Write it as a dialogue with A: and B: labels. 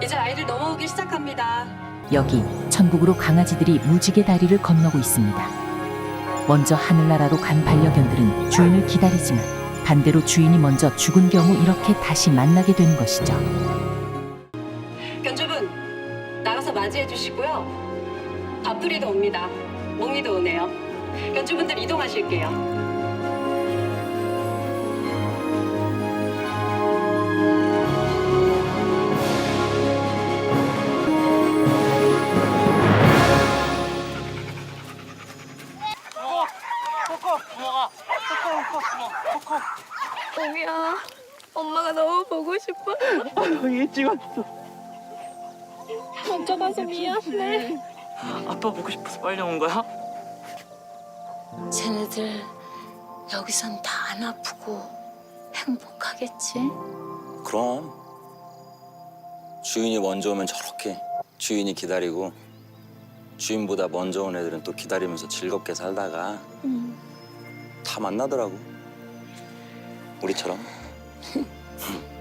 A: 이제 아이들 넘어오기 시작합니다.
B: 여기 천국으로 강아지들이 무지개 다리를 건너고 있습니다. 먼저 하늘나라로 간 반려견들은 주인을 기다리지만 반대로 주인이 먼저 죽은 경우 이렇게 다시 만나게 되는 것이죠.
A: 견주분, 나가서 맞이해 주시고요. 밥풀이도 옵니다. 몽이도 오네요. 견주분들 이동하실게요.
C: 몽이야, 엄마가 너무 보고 싶어.
D: 얘 찍었어.
C: 먼저 가서 미안해.
D: 아빠 보고 싶어서 빨리 온 거야?
E: 쟤네들 여기선 다 안 아프고 행복하겠지?
F: 그럼 주인이 먼저 오면 저렇게 주인이 기다리고 주인보다 먼저 온 애들은 또 기다리면서 즐겁게 살다가 다 만나더라고 우리처럼.